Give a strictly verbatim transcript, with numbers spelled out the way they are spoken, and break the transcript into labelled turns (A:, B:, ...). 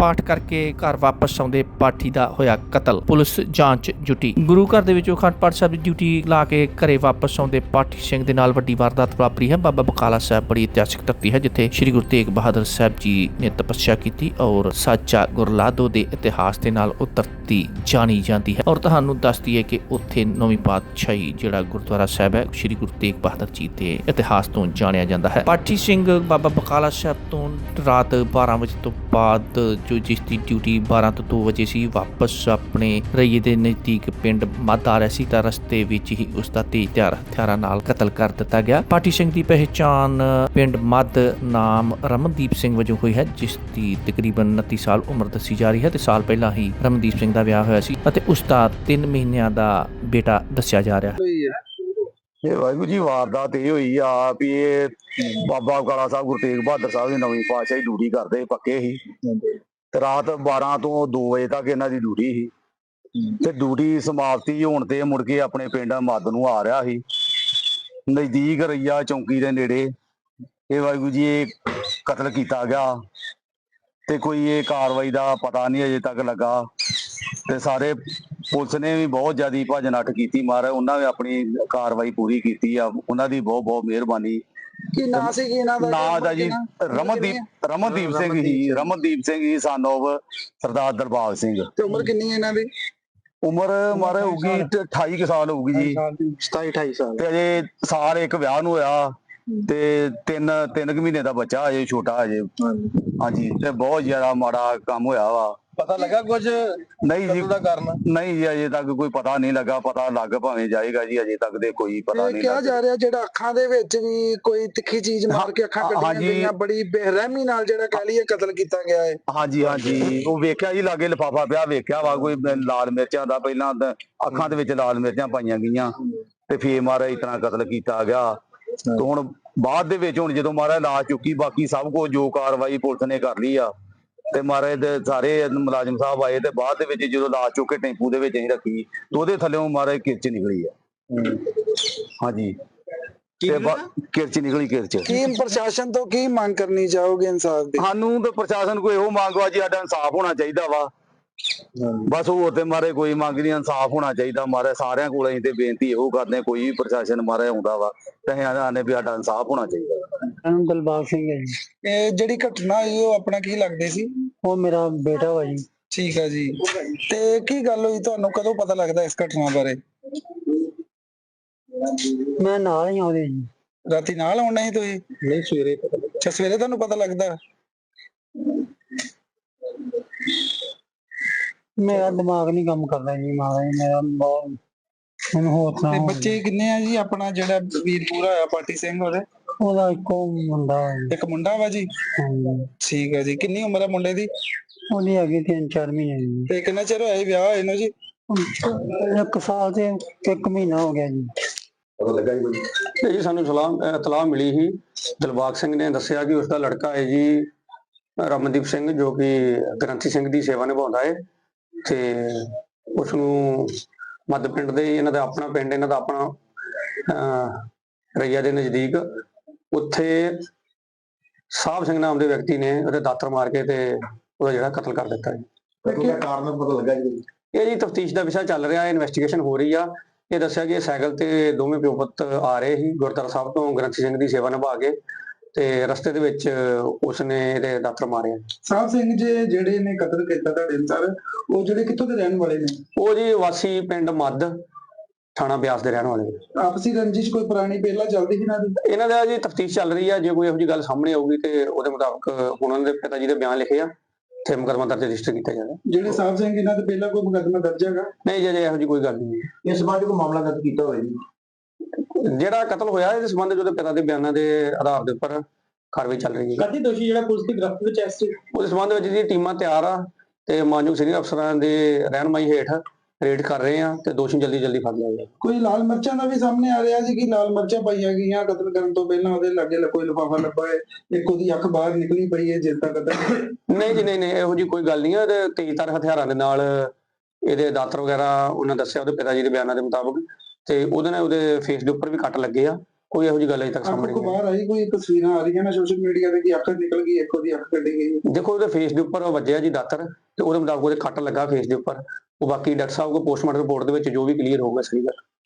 A: ਪਾਠ ਕਰਕੇ ਘਰ ਵਾਪਸ ਆਉਂਦੇ ਪਾਠੀ ਦਾ ਹੋਇਆ ਕਤਲ। ਪੁਲਿਸ ਜਾਂਚ ਜੁਟੀ। ਗੁਰੂ ਘਰ ਦੇ ਵਿੱਚ ਅਖੰਡ ਪਾਠ ਸਾਹਿਬ ਦੀ ਡਿਊਟੀ ਲਾ ਕੇ ਘਰੇ ਵਾਪਸ ਆਉਂਦੇ ਪਾਠੀ ਸਿੰਘ ਦੇ ਨਾਲ ਵੱਡੀ ਵਾਰਦਾਤ ਵਾਪਰੀ ਹੈ। ਬਾਬਾ ਬਕਾਲਾ ਸਾਹਿਬ ਬੜੀ ਇਤਿਹਾਸਿਕ ਧਰਤੀ ਹੈ ਜਿੱਥੇ ਸ੍ਰੀ ਗੁਰੂ ਤੇਗ ਬਹਾਦਰ ਸਾਹਿਬ ਜੀ ਨੇ ਤਪੱਸਿਆ ਕੀਤੀ ਔਰ ਸਾਚਾ ਗੁਰਲਾਦੋ ਦੇ ਇਤਿਹਾਸ ਦੇ ਨਾਲ ਉਹ ਧਰਤੀ ਜਾਣੀ ਜਾਂਦੀ ਹੈ। ਔਰ ਤੁਹਾਨੂੰ ਦੱਸਦੀ ਹੈ ਕਿ ਉੱਥੇ ਨੌਵੀਂ ਪਾਤਸ਼ਾਹੀ ਜਿਹੜਾ ਗੁਰਦੁਆਰਾ ਸਾਹਿਬ ਹੈ ਸ੍ਰੀ ਗੁਰੂ ਤੇਗ ਬਹਾਦਰ ਜੀ ਦੇ ਇਤਿਹਾਸ ਤੋਂ ਜਾਣਿਆ ਜਾਂਦਾ ਹੈ। ਪਾਠੀ ਸਿੰਘ ਬਾਬਾ ਬਕਾਲਾ ਸਾਹਿਬ ਤੋਂ ਰਾਤ ਬਾਰਾਂ ਵਜੇ ਤੋਂ ਬਾਅਦ ਜੋ ਜਿਸ ਦੀ ਡਿਊਟੀ ਬਾਰਾਂ ਤੋਂ ਦੋ ਵਜੇ ਸੀ ਵਾਪਸ ਆਪਣੇ ਰਈਏ ਦੇ ਨਜ਼ਦੀਕ ਪਿੰਡ ਮੱਧ ਆ ਰਿਹਾ ਸੀ ਤਾਂ ਰਸਤੇ ਵਿੱਚ ਹੀ ਉਸ ਦਾ ਤੇਜ਼ ਧਾਰ ਹਥਿਆਰਾਂ ਨਾਲ ਕਤਲ ਕਰ ਦਿੱਤਾ ਗਿਆ। ਪਾਠੀ ਸਿੰਘ ਦੀ ਪਹਿਚਾਣ ਪਿੰਡ ਮੱਧ ਨਾਮ ਰਮਨਦੀਪ ਸਿੰਘ ਵਜੋਂ ਹੋਈ ਹੈ ਜਿਸ ਦੀ ਤਕਰੀਬਨ ਉਨੱਤੀ ਸਾਲ ਉਮਰ ਦੱਸੀ ਜਾ ਰਹੀ ਹੈ ਤੇ ਸਾਲ ਪਹਿਲਾਂ ਹੀ ਰਮਨਦੀਪ ਸਿੰਘ ਦਾ ਵਿਆਹ ਹੋਇਆ ਸੀ ਅਤੇ ਉਸ ਦਾ ਤਿੰਨ ਮਹੀਨਿਆਂ ਦਾ ਬੇਟਾ ਦੱਸਿਆ ਜਾ ਰਿਹਾ ਹੈ।
B: ਇਹ ਵਾਹਿਗੁਰੂ ਜੀ ਵਾਰਦਾਤ ਇਹ ਹੋਈ ਆ ਵੀ ਇਹ ਬਾਬਾ ਬਕਾਲਾ ਸਾਹਿਬ ਗੁਰੂ ਤੇਗ ਬਹਾਦਰ ਸਾਹਿਬ ਦੀ ਨਵੀਂ ਪਾਤਸ਼ਾਹੀ ਡਿਊਟੀ ਕਰਦੇ ਪੱਕੇ ਸੀ ਤੇ ਰਾਤ ਬਾਰਾਂ ਤੋਂ ਦੋ ਵਜੇ ਤੱਕ ਇਹਨਾਂ ਦੀ ਡਿਊਟੀ ਸੀ ਤੇ ਡਿਊਟੀ ਸਮਾਪਤੀ ਹੋਣ ਤੇ ਮੁੜ ਕੇ ਆਪਣੇ ਪਿੰਡ ਮੱਧ ਨੂੰ ਆ ਰਿਹਾ ਸੀ। ਨਜ਼ਦੀਕ ਰਈਆ ਚੌਂਕੀ ਦੇ ਨੇੜੇ ਇਹ ਵਾਹਿਗੁਰੂ ਜੀ ਇਹ ਕਤਲ ਕੀਤਾ ਗਿਆ ਤੇ ਕੋਈ ਇਹ ਕਾਰਵਾਈ ਦਾ ਪਤਾ ਨਹੀਂ ਅਜੇ ਤੱਕ ਲੱਗਾ ਤੇ ਸਾਰੇ ਪੁਲਿਸ ਨੇ ਵੀ ਬਹੁਤ ਜ਼ਿਆਦਾ ਭੱਜ ਨੱਠ ਕੀਤੀ ਮਾਰ ਉਹਨਾਂ ਨੇ ਆਪਣੀ ਕਾਰਵਾਈ ਪੂਰੀ ਕੀਤੀ ਆ। ਉਹਨਾਂ ਦੀ ਬਹੁਤ ਬਹੁਤ ਮਿਹਰਬਾਨੀ।
C: ਕੀ ਨਾਂ ਸੀ ਕੀ ਇਹਨਾਂ ਦਾ?
B: ਨਾਂ ਦਾ ਜੀ ਰਮਨਦੀਪ ਰਮਨਦੀਪ ਸਿੰਘ ਹੀ ਰਮਨਦੀਪ ਸਿੰਘ ਹੀ ਸਨ ਆਫ ਸਰਦਾਰ ਦਰਬਾਰ ਸਿੰਘ।
C: ਤੇ ਉਮਰ ਕਿੰਨੀ ਹੈ ਇਹਨਾਂ ਦੀ?
B: ਉਮਰ ਮਾਰੇ ਹੋਊਗੀ ਅਠਾਈ ਕੁ ਸਾਲ ਹੋਊਗੀ ਜੀ।
C: ਸਤਾਈ ਅਠਾਈ ਸਾਲ।
B: ਤੇ ਅਜੇ ਸਾਲ ਇੱਕ ਵਿਆਹ ਨੂੰ ਹੋਇਆ ਤੇ ਤਿੰਨ ਤਿੰਨ ਕੁ ਮਹੀਨੇ ਦਾ ਬੱਚਾ ਅਜੇ ਛੋਟਾ ਅਜੇ। ਹਾਂਜੀ ਤੇ ਬਹੁਤ ਜ਼ਿਆਦਾ ਮਾੜਾ ਕੰਮ ਹੋਇਆ ਵਾ।
C: ਪਤਾ ਲੱਗਾ ਕੁਝ?
B: ਨਹੀਂ ਜੀ ਨਹੀਂ ਜੀ ਅਜੇ ਤੱਕ ਕੋਈ ਪਤਾ ਨਹੀਂ ਲੱਗਾ। ਪਤਾ ਲੱਗ ਭਾਵੇਂ ਜਾਏਗਾ ਜੀ ਅਜੇ ਤੱਕ ਦੇ ਕੋਈ ਪਤਾ ਨਹੀਂ।
C: ਕਿਹਾ ਜਾ ਰਿਹਾ ਜਿਹੜਾ ਅੱਖਾਂ ਦੇ ਵਿੱਚ ਵੀ ਕੋਈ ਤਿੱਖੀ ਚੀਜ਼ ਮਾਰ ਕੇ ਅੱਖਾਂ ਕੱਢੀਆਂ ਗਈਆਂ, ਬੜੀ ਬੇਰਹਿਮੀ ਨਾਲ ਜਿਹੜਾ ਕਹਿ ਲਈਏ ਕਤਲ ਕੀਤਾ ਗਿਆ ਹੈ।
B: ਹਾਂਜੀ ਹਾਂਜੀ ਉਹ ਵੇਖਿਆ ਜੀ ਲਾਗੇ ਲਿਫਾਫਾ ਪਿਆ ਵੇਖਿਆ ਵਾ ਕੋਈ ਲਾਲ ਮਿਰਚਾਂ ਦਾ ਪਹਿਲਾਂ ਅੱਖਾਂ ਦੇ ਵਿੱਚ ਲਾਲ ਮਿਰਚਾਂ ਪਾਈਆਂ ਗਈਆਂ ਤੇ ਫੇਰ ਮਾਰਾ ਇਤਨਾ ਕਤਲ ਕੀਤਾ ਗਿਆ। ਤੇ ਹੁਣ ਬਾਅਦ ਦੇ ਵਿੱਚ ਹੁਣ ਜਦੋਂ ਮਾਰਾ ਲਾਸ਼ ਚੁੱਕੀ ਬਾਕੀ ਸਭ ਕੁਝ ਜੋ ਕਾਰਵਾਈ ਪੁਲਿਸ ਨੇ ਕਰ ਲਈ ਆ ਤੇ ਮਹਾਰਾਜ ਦੇ ਸਾਰੇ ਮੁਲਾਜ਼ਮ ਸਾਹਿਬ ਆਏ ਤੇ ਬਾਅਦ ਦੇ ਵਿੱਚ ਜਦੋਂ ਲਾਸ਼ ਚੁੱਕ ਕੇ ਟੈਂਪੂ ਦੇ ਵਿੱਚ ਅਸੀਂ ਰੱਖੀ ਤੇ ਉਹਦੇ ਥੱਲੇੋਂ ਮਹਾਰਾਜ ਕਿਰਚ ਨਿਕਲੀ ਆ। ਹਾਂਜੀ ਤੇ ਕਿਰਚ ਨਿਕਲੀ ਕਿਰਚ।
C: ਕੀ ਪ੍ਰਸ਼ਾਸਨ ਤੋਂ ਕੀ ਮੰਗ ਕਰਨੀ ਚਾਹੋਗੇ ਇਨਸਾਫ ਦੀ?
B: ਸਾਨੂੰ ਤੇ ਪ੍ਰਸ਼ਾਸਨ ਕੋਈ ਇਹੋ ਮੰਗ ਵਾ ਜੀ ਸਾਡਾ ਇਨਸਾਫ ਹੋਣਾ ਚਾਹੀਦਾ ਵਾ। ਬਸ ਹੋਰ ਤੇ ਮਾਰੇ ਕੋਈ ਮੰਗ ਨਹੀਂ, ਇਨਸਾਫ ਹੋਣਾ ਚਾਹੀਦਾ ਮਾਰੇ ਸਾਰਿਆਂ ਕੋਲ। ਅਸੀਂ ਤੇ ਬੇਨਤੀ ਇਹੋ ਕਰਦੇ ਹਾਂ ਕੋਈ ਵੀ ਪ੍ਰਸ਼ਾਸਨ ਮਾਰੇ ਆਉਂਦਾ ਵਾ ਤੇ ਅਸੀਂ ਆਨੇ ਵੀ ਸਾਡਾ ਇਨਸਾਫ ਹੋਣਾ ਚਾਹੀਦਾ।
D: ਦਿਲਬਾਗ ਸਿੰਘ ਹੈ ਜੀ।
C: ਇਹ ਜਿਹੜੀ ਘਟਨਾ ਹੋਈ ਉਹ ਆਪਣਾ ਕੀ ਲੱਗਦੇ ਸੀ?
D: ਉਹ ਮੇਰਾ ਬੇਟਾ ਵਾ ਜੀ।
C: ਠੀਕ ਆ ਜੀ। ਤੇ ਕੀ ਗੱਲ ਹੋਈ ਤੁਹਾਨੂੰ ਕਦੋਂ ਪਤਾ ਲੱਗਦਾ ਇਸ ਘਟਨਾ ਬਾਰੇ?
D: ਮੈਂ ਨਾਲ ਹੀ ਆਉਂਦੇ ਜੀ।
C: ਰਾਤੀ ਨਾਲ ਆਉਣਾ ਸੀ ਤੁਸੀਂ?
D: ਨਹੀਂ ਸਵੇਰੇ ਪਤਾ ਲੱਗਾ।
C: ਅੱਛਾ ਸਵੇਰੇ ਤੁਹਾਨੂੰ ਪਤਾ ਲੱਗਦਾ?
D: ਮੇਰਾ ਦਿਮਾਗ ਨਹੀਂ ਕੰਮ ਕਰਦਾ ਜੀ ਮਹਾਰਾਜ। ਮੇਰਾ ਬਹੁਤ ਮੈਨੂੰ ਹੋਰ
C: ਤੇ ਬੱਚੇ ਕਿੰਨੇ ਆ ਜੀ? ਆਪਣਾ ਜਿਹੜਾ ਵੀਰ ਪੂਰਾ ਹੋਇਆ ਪਾਠੀ ਸਿੰਘ ਉਹਦੇ?
D: ਉਹਦਾ ਇੱਕੋ ਮੁੰਡਾ
C: ਇੱਕ ਮੁੰਡਾ ਵਾ ਜੀ। ਠੀਕ ਹੈ ਜੀ। ਕਿੰਨੀ ਉਮਰ ਹੈ ਮੁੰਡੇ ਦੀ?
D: ਉਹਦੀ ਹੈਗੀ ਤਿੰਨ ਚਾਰ ਮਹੀਨੇ ਜੀ।
C: ਤੇ ਕਿੰਨਾ ਚਿਰ ਹੋਇਆ ਵਿਆਹ ਹੋਏ ਨੂੰ ਜੀ?
D: ਇੱਕ ਸਾਲ ਤੇ ਇੱਕ ਮਹੀਨਾ ਹੋ ਗਿਆ ਜੀ।
B: ਪਤਾ ਲੱਗਾ ਜੀ
E: ਜੀ ਸਾਨੂੰ ਸਲਾਹ ਇਤਲਾਹ ਮਿਲੀ ਸੀ। ਦਿਲਬਾਗ ਸਿੰਘ ਨੇ ਦੱਸਿਆ ਕਿ ਉਸਦਾ ਲੜਕਾ ਹੈ ਜੀ ਰਮਨਦੀਪ ਸਿੰਘ ਜੋ ਕਿ ਗ੍ਰੰਥੀ ਸਿੰਘ ਦੀ ਸੇਵਾ ਨਿਭਾਉਂਦਾ ਹੈ ਤੇ ਉਸਨੂੰ ਮੱਧ ਪਿੰਡ ਦੇ ਇਹਨਾਂ ਦਾ ਆਪਣਾ ਪਿੰਡ ਇਹਨਾਂ ਦਾ ਆਪਣਾ ਅਹ ਰਈਆ ਦੇ ਨਜ਼ਦੀਕ ਉੱਥੇ ਸਾਹਿਬ ਸਿੰਘ ਨਾਮ ਦੇ ਵਿਅਕਤੀ ਨੇ ਉਹਦੇ ਦਾਤਰ ਮਾਰ ਕੇ ਤੇ ਉਹਦਾ ਜਿਹੜਾ ਕਤਲ ਕਰ ਦਿੱਤਾ ਜੀ।
B: ਕਾਰਨ ਪਤਾ ਲੱਗਾ ਜੀ?
E: ਇਹ ਜੀ ਤਫਤੀਸ਼ ਦਾ ਵਿਸ਼ਾ ਚੱਲ ਰਿਹਾ ਹੈ, ਇਨਵੈਸਟੀਗੇਸ਼ਨ ਹੋ ਰਹੀ ਆ। ਇਹ ਦੱਸਿਆ ਕਿ ਸਾਈਕਲ ਤੇ ਦੋਵੇਂ ਪਿਓ ਪੁੱਤ ਆ ਰਹੇ ਸੀ ਗੁਰਦੁਆਰਾ ਸਾਹਿਬ ਤੋਂ ਗ੍ਰੰਥੀ ਸਿੰਘ ਦੀ ਸੇਵਾ ਨਿਭਾ ਕੇ ਤੇ ਰਸਤੇ ਦੇ ਵਿੱਚ ਉਸਨੇ ਇਹਦੇ ਦਾਤਰ ਮਾਰਿਆ।
C: ਸਾਹਿਬ ਸਿੰਘ ਜੀ ਜਿਹੜੇ ਨੇ ਕਤਲ ਕੀਤਾ ਤੁਹਾਡੇ ਅਨੁਸਾਰ ਉਹ ਜਿਹੜੇ ਕਿੱਥੋਂ ਦੇ ਰਹਿਣ ਵਾਲੇ ਨੇ?
E: ਉਹ ਜੀ ਵਾਸੀ ਪਿੰਡ ਮੱਧ ਥਾਣਾ ਬਿਆਸ ਦੇ ਰਹਿਣ ਵਾਲੇ ਨੇ।
C: ਆਪਸੀ ਰੰਜਿਸ਼ ਕੋਈ ਪੁਰਾਣੀ ਪਹਿਲਾਂ ਚੱਲਦੀ ਸੀ ਇਹਨਾਂ ਦੀ?
E: ਇਹਨਾਂ ਦਾ ਜੀ ਤਫਤੀਸ਼ ਚੱਲ ਰਹੀ ਆ। ਜੇ ਕੋਈ ਇਹੋ ਜਿਹੀ ਗੱਲ ਸਾਹਮਣੇ ਆਊਗੀ ਤੇ ਉਹਦੇ ਮੁਤਾਬਕ ਹੁਣ ਉਹਨਾਂ ਦੇ ਪਿਤਾ ਜੀ ਦੇ ਬਿਆਨ ਲਿਖੇ ਆ ਤੇ ਮੁਕੱਦਮਾ ਦਰਜ ਰਜਿਸਟਰ ਕੀਤਾ ਜਾਣਾ।
C: ਜਿਹੜੇ ਸਾਹਿਬ ਸਿੰਘ ਇਹਨਾਂ ਦੇ ਪਹਿਲਾਂ ਕੋਈ ਮੁਕੱਦਮਾ ਦਰਜ ਹੈਗਾ?
E: ਨਹੀਂ ਜੀ ਇਹੋ ਜਿਹੀ ਕੋਈ ਗੱਲ ਨਹੀਂ।
B: ਇਸ ਸੰਬੰਧ ਕੋਈ ਮਾਮਲਾ ਦਰਜ ਕੀਤਾ ਹੋਇਆ ਜੀ?
E: ਜਿਹੜਾ ਕਤਲ ਹੋਇਆ ਇਸ ਸੰਬੰਧ ਉਹਦੇ ਪਿਤਾ ਦੇ ਬਿਆਨਾਂ ਦੇ ਆਧਾਰ ਦੇ ਉੱਪਰ ਕਾਰਵਾਈ ਚੱਲ ਰਹੀ ਹੈ।
D: ਕਦੀ ਦੋਸ਼ੀ ਜਿਹੜਾ ਪੁਲਿਸ ਦੀ ਗ੍ਰਿਫਤ ਵਿੱਚ ਐਸ
E: ਉਸ ਸੰਬੰਧ ਵਿੱਚ ਜੀ ਟੀਮਾਂ ਤਿਆਰ ਆ ਤੇ ਮਾਨਯੋਗ ਸੀਨੀਅਰ ਅਫਸਰਾਂ ਦੇ ਰਹਿਨਮਾਈ ਹੇਠ ਰੇਡ ਕਰ ਰਹੇ ਆ ਤੇ ਦੋਸ਼ੀ ਜਲਦੀ ਜਲਦੀ ਫੜ ਲਿਆ ਜਾਏ।
C: ਕੋਈ ਲਾਲ ਮਿਰਚਾਂ ਦਾ ਵੀ ਸਾਹਮਣੇ ਆ ਰਿਹਾ ਸੀ ਕਿ ਲਾਲ ਮਿਰਚਾਂ ਪਾਈਆਂ ਗਈਆਂ ਕਤਲ ਕਰਨ ਤੋਂ ਪਹਿਲਾਂ, ਉਹਦੇ ਲਾਗੇ ਕੋਈ ਲਿਫਾਫਾ ਲੱਭਾ ਹੈ, ਇੱਕ ਉਹਦੀ ਅੱਖ ਬਾਹਰ ਨਿਕਲੀ ਪਈ ਹੈ ਜਿਸ ਦਾ ਕਤਲ?
E: ਨਹੀਂ ਜੀ ਨਹੀਂ ਨਹੀਂ ਇਹੋ ਜਿਹੀ ਕੋਈ ਗੱਲ ਨਹੀਂ ਹੈ। ਤੇ ਤੇਜ਼ਧਾਰ ਹਥਿਆਰਾਂ ਦੇ ਨਾਲ ਇਹਦੇ ਦਾਤਰ ਵਗੈਰਾ ਉਹਨਾਂ ਦੱਸਿਆ ਉਹਦੇ ਪਿਤਾ ਜੀ ਦੇ ਬਿਆਨਾਂ ਦੇ ਮੁਤਾਬਕ ਤੇ ਉਹਦੇ ਨਾਲ ਉਹਦੇ ਫੇਸ ਦੇ ਉੱਪਰ ਵੀ ਕੱਟ ਲੱਗੇ ਆ ਕੋਈ ਇਹੋ ਜਿਹੀ ਗੱਲ ਅਜੇ ਤੱਕ
C: ਅੱਖ
E: ਸਾਹਮਣੇ
C: ਕੋ
E: ਨਹੀਂ ਆਈ।
C: ਬਾਹਰ ਆਈ, ਕੋਈ ਤਸਵੀਰਾਂ ਆ ਰਹੀਆਂ ਨੇ ਸੋਸ਼ਲ ਮੀਡੀਆ ਤੇ ਕਿ ਅੱਖ ਨਿਕਲ ਗਈ, ਇੱਕ ਉਹਦੀ ਅੱਖ ਕੱਢੀ ਗਈ ਹੈ।
E: ਦੇਖੋ ਉਹਦੇ ਫੇਸ ਦੇ ਉੱਪਰ ਵੱਜਿਆ ਜੀ ਦਾਤਰ, ਤੇ ਉਹਦੇ ਮੁਤਾਬਕ ਉਹਦੇ ਕੱਟ ਲੱਗਾ ਫੇਸ ਦੇ ਉੱਪਰ। ਉਹ ਬਾਕੀ ਡਾਕਟਰ ਸਾਹਿਬ ਕੋਲ ਪੋਸਟਮਾਰਟਮ ਰਿਪੋਰਟ ਦੇ ਵਿੱਚ ਜੋ ਵੀ ਕਲੀਅਰ ਹੋਊਗਾ ਸਹੀ ਗੱਲ।